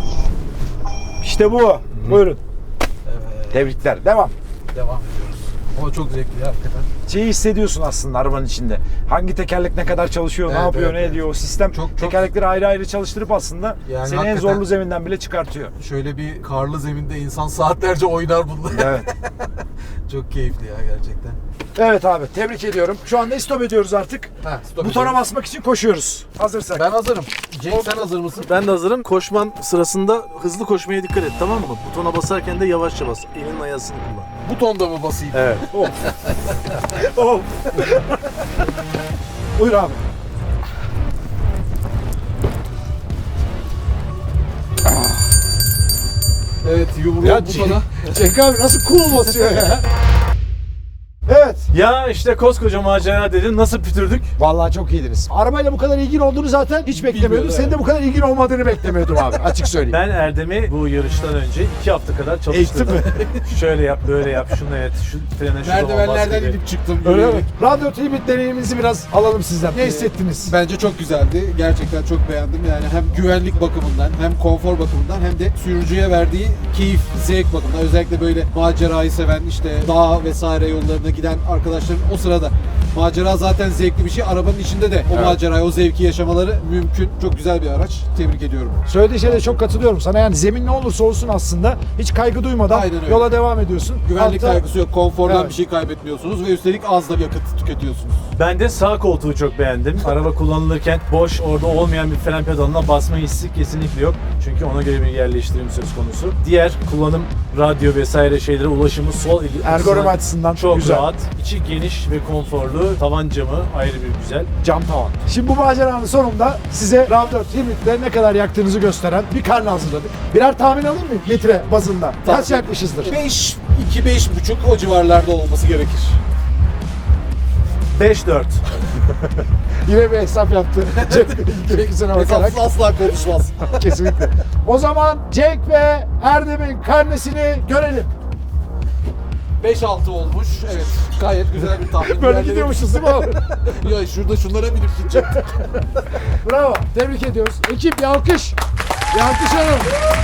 [SPEAKER 1] İşte bu. Buyurun.
[SPEAKER 3] Evet.
[SPEAKER 1] Tebrikler. Devam.
[SPEAKER 3] Devam ediyoruz. Ama çok zevkli ya hakikaten.
[SPEAKER 4] Şeyi hissediyorsun aslında arabanın içinde. Hangi tekerlek ne kadar çalışıyor, ne
[SPEAKER 3] Evet,
[SPEAKER 4] yapıyor,
[SPEAKER 3] evet,
[SPEAKER 4] ne
[SPEAKER 3] evet.
[SPEAKER 4] ediyor. O sistem
[SPEAKER 3] Çok-
[SPEAKER 4] tekerlekleri ayrı ayrı çalıştırıp aslında
[SPEAKER 3] Yani
[SPEAKER 4] seni en
[SPEAKER 3] hakikaten-
[SPEAKER 4] zorlu zeminden bile çıkartıyor.
[SPEAKER 3] Şöyle bir karlı zeminde insan saatlerce oynar bunlar.
[SPEAKER 4] Evet.
[SPEAKER 3] Çok keyifli ya gerçekten.
[SPEAKER 4] Evet abi, tebrik ediyorum. Şu anda stop ediyoruz artık.
[SPEAKER 3] Stop
[SPEAKER 4] Butona
[SPEAKER 3] edelim.
[SPEAKER 4] basmak için koşuyoruz. Hazırsak.
[SPEAKER 3] Ben hazırım. Cenk sen hazır mısın?
[SPEAKER 2] Ben de hazırım. Koşman sırasında hızlı koşmaya dikkat et, tamam mı? Butona basarken de yavaşça bas. Elinin ayasını kullan.
[SPEAKER 3] Butonda mı basayım?
[SPEAKER 2] Evet.
[SPEAKER 4] Oh. Buyur abi.
[SPEAKER 3] Evet yumruğu
[SPEAKER 4] Ya
[SPEAKER 3] butona.
[SPEAKER 4] Cenk abi nasıl cool basıyor ya? Evet.
[SPEAKER 2] Ya işte koskoca macera dedin. Nasıl pütürdük?
[SPEAKER 1] Vallahi çok iyiydiniz. Arabayla bu kadar ilgin olduğunu zaten hiç beklemiyordum.
[SPEAKER 3] Bilmiyordum,
[SPEAKER 1] Senin de bu kadar ilgin olmadığını beklemiyordum abi. Açık söyleyeyim.
[SPEAKER 2] Ben Erdem'i bu yarıştan önce 2 hafta kadar çalıştırdım. Şöyle yap, böyle yap, şunu et, şu frene şu zaman bas
[SPEAKER 3] Merdivenlerden
[SPEAKER 2] gibi.
[SPEAKER 3] inip çıktım.
[SPEAKER 1] Öyle mi?
[SPEAKER 3] yürüyerek.
[SPEAKER 1] Radyo Tribute deneyimimizi biraz alalım sizden. Ne hissettiniz?
[SPEAKER 3] Bence çok güzeldi. Gerçekten çok beğendim. Yani hem güvenlik bakımından hem konfor bakımından hem de sürücüye verdiği keyif, zevk bakımından. Özellikle böyle macerayı seven işte dağ vesaire yollarına giden arkadaşların o sırada macera zaten zevkli bir şey. Arabanın içinde de o macerayı, o zevki yaşamaları mümkün. Çok güzel bir araç. Tebrik ediyorum.
[SPEAKER 1] Söylediği şeyde çok katılıyorum sana. Yani zemin ne olursa olsun aslında hiç kaygı duymadan
[SPEAKER 3] Aynen öyle.
[SPEAKER 1] yola devam ediyorsun.
[SPEAKER 3] Güvenlik
[SPEAKER 1] Hatta-
[SPEAKER 3] kaygısı yok. Konfordan
[SPEAKER 1] Evet.
[SPEAKER 3] bir şey kaybetmiyorsunuz ve üstelik az da yakıt tüketiyorsunuz.
[SPEAKER 2] Ben de sağ koltuğu çok beğendim. Araba kullanılırken boş, orada olmayan bir fren pedalına basma hissi kesinlikle yok. Çünkü ona göre bir yerleştirim söz konusu. Diğer kullanım, radyo vesaire şeylere ulaşımı sol eli
[SPEAKER 1] Ergonomi açısından
[SPEAKER 2] çok
[SPEAKER 1] güzel.
[SPEAKER 2] rahat. İçi geniş ve konforlu. Tavan camı ayrı bir güzel.
[SPEAKER 1] Cam tavan. Şimdi bu maceranın sonunda size RAV4 Limit'te ne kadar yaktığınızı gösteren bir karne hazırladık. Birer tahmin alayım mı litre bazında? Kaç
[SPEAKER 3] Tabii.
[SPEAKER 1] yakmışızdır?
[SPEAKER 3] 5, 2-5,5 o civarlarda olması gerekir.
[SPEAKER 2] 5-4.
[SPEAKER 1] Yine bir hesap yaptı. Tepkisine bakarak.
[SPEAKER 3] Hesapsız asla konuşmaz.
[SPEAKER 1] Kesinlikle. O zaman Cenk ve Erdem'in karnesini görelim.
[SPEAKER 3] 5-6 olmuş. Evet. Gayet güzel bir tahmin.
[SPEAKER 1] Böyle
[SPEAKER 3] Diğerleri-
[SPEAKER 1] gidiyormuşuz değil mi abi?
[SPEAKER 3] Ya şurada şunlara binip gidecek.
[SPEAKER 1] Bravo. Tebrik ediyoruz. Ekip bir alkış. Bir alkış alalım.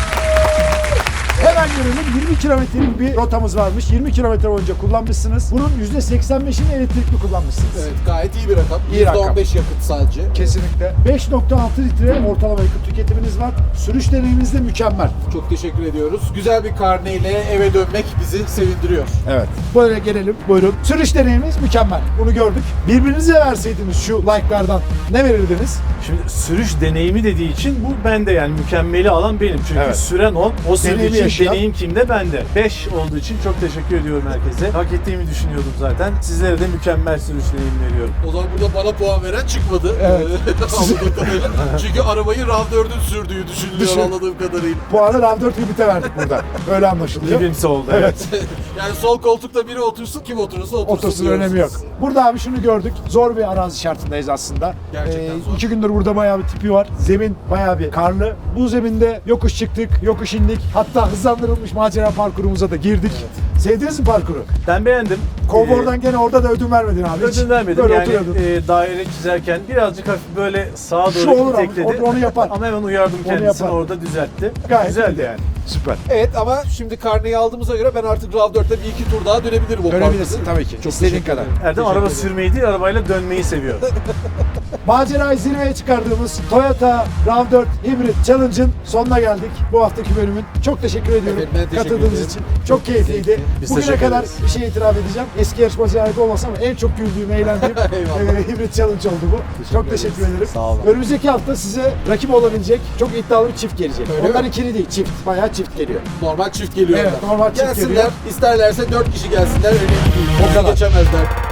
[SPEAKER 1] Hemen görelim. 20 kilometrelik bir rotamız varmış. 20 kilometre boyunca kullanmışsınız. Bunun %85'ini elektrikli kullanmışsınız.
[SPEAKER 3] Evet gayet iyi bir rakam.
[SPEAKER 1] İyi rakam.
[SPEAKER 3] %15 yakıt sadece.
[SPEAKER 1] Kesinlikle. 5.6 litre ortalama yakıt tüketiminiz var. Sürüş deneyiminiz de mükemmel.
[SPEAKER 3] Çok teşekkür ediyoruz. Güzel bir karneyle eve dönmek bizi sevindiriyor.
[SPEAKER 1] Evet. Böyle gelelim. Buyurun. Sürüş deneyiminiz mükemmel. Bunu gördük. Birbirinize verseydiniz şu like'lardan ne verirdiniz?
[SPEAKER 2] Şimdi sürüş deneyimi dediği için bu bende, yani mükemmeli alan benim. Çünkü
[SPEAKER 1] Evet.
[SPEAKER 2] süren o sürdüğü
[SPEAKER 1] Deneyimi
[SPEAKER 2] için
[SPEAKER 1] yaşayan.
[SPEAKER 2] deneyim kimde? Bende. 5 olduğu için çok teşekkür ediyorum herkese. Hak ettiğimi düşünüyordum zaten. Sizlere de mükemmel sürüş deneyimi veriyorum.
[SPEAKER 3] O zaman burada bana puan veren çıkmadı.
[SPEAKER 1] Evet.
[SPEAKER 3] Anladığım kadarıyla. Çünkü arabayı RAV4'ün sürdüğü düşünülüyor anladığım kadarıyla.
[SPEAKER 1] Puanı RAV4 Limit'e verdik burada. Öyle anlaşılıyor.
[SPEAKER 2] Birbirimize oldu.
[SPEAKER 1] Evet.
[SPEAKER 3] Yani sol koltukta biri otursun, kim oturursa otursun.
[SPEAKER 1] Otosun
[SPEAKER 3] diyoruz
[SPEAKER 1] önemi yok.
[SPEAKER 3] biz.
[SPEAKER 1] Burada abi şunu gördük. Zor bir arazi şartındayız aslında.
[SPEAKER 3] Gerçekten zor.
[SPEAKER 1] 2 gündür burada bayağı bir tipi var. Zemin bayağı bir karlı. Bu zeminde yokuş çıktık, yokuş indik. Hatta hızlandırılmış macera parkurumuza da girdik. Sevdiniz mi parkuru?
[SPEAKER 2] Ben beğendim.
[SPEAKER 1] Konfordan gene orada da ödün vermedin abi. Hiç
[SPEAKER 2] Ödün vermedim.
[SPEAKER 1] Böyle
[SPEAKER 2] Yani
[SPEAKER 1] oturuyordun.
[SPEAKER 2] daire çizerken birazcık hafif böyle sağa
[SPEAKER 1] Şu
[SPEAKER 2] doğru
[SPEAKER 1] olur abi,
[SPEAKER 2] tekledi.
[SPEAKER 1] onu yapar.
[SPEAKER 2] Ama hemen uyardım
[SPEAKER 1] Onu
[SPEAKER 2] kendisini,
[SPEAKER 1] yapar.
[SPEAKER 2] orada düzeltti.
[SPEAKER 1] Gayet
[SPEAKER 2] Güzeldi
[SPEAKER 1] iyiydi.
[SPEAKER 2] yani.
[SPEAKER 1] Süper.
[SPEAKER 3] Evet ama şimdi karneyi aldığımıza göre ben artık RAV4'te bir iki tur daha dönebilirim o
[SPEAKER 1] Dönebilirsin
[SPEAKER 3] parkta.
[SPEAKER 1] tabii ki.
[SPEAKER 3] Çok
[SPEAKER 1] İstediğin
[SPEAKER 3] teşekkür
[SPEAKER 1] kadar.
[SPEAKER 3] ederim.
[SPEAKER 2] Erdem
[SPEAKER 3] Teşekkür
[SPEAKER 2] araba
[SPEAKER 3] ederim.
[SPEAKER 2] sürmeyi değil, arabayla dönmeyi seviyor.
[SPEAKER 1] Macerayı zirveye çıkardığımız Toyota RAV4 Hybrid Challenge'ın sonuna geldik. Bu haftaki bölümün. Çok teşekkür ediyorum
[SPEAKER 3] Evet, ben teşekkür
[SPEAKER 1] katıldığınız
[SPEAKER 3] ederim.
[SPEAKER 1] için. Çok keyifliydi.
[SPEAKER 2] Biz
[SPEAKER 1] Bugüne
[SPEAKER 2] teşekkür
[SPEAKER 1] kadar
[SPEAKER 2] ederiz.
[SPEAKER 1] bir şey itiraf edeceğim. Eski yarışmacıya ait olmasa ama en çok güldüğüm, eğlendiğim
[SPEAKER 3] Eyvallah.
[SPEAKER 1] Hybrid Challenge oldu bu. Çok teşekkür ederim.
[SPEAKER 2] Sağ olun.
[SPEAKER 1] Önümüzdeki hafta size rakip olabilecek çok iddialı bir çift gelecek.
[SPEAKER 3] Öyle
[SPEAKER 1] Onlar
[SPEAKER 3] mi?
[SPEAKER 1] ikili değil, çift. Bayağı çift geliyor.
[SPEAKER 3] Normal çift geliyor.
[SPEAKER 1] Evet,
[SPEAKER 3] onlar.
[SPEAKER 1] normal çift
[SPEAKER 3] Gelsinler,
[SPEAKER 1] geliyor.
[SPEAKER 3] isterlerse 4 kişi gelsinler, önemli değil.
[SPEAKER 1] O kadar.
[SPEAKER 3] Geçemezler.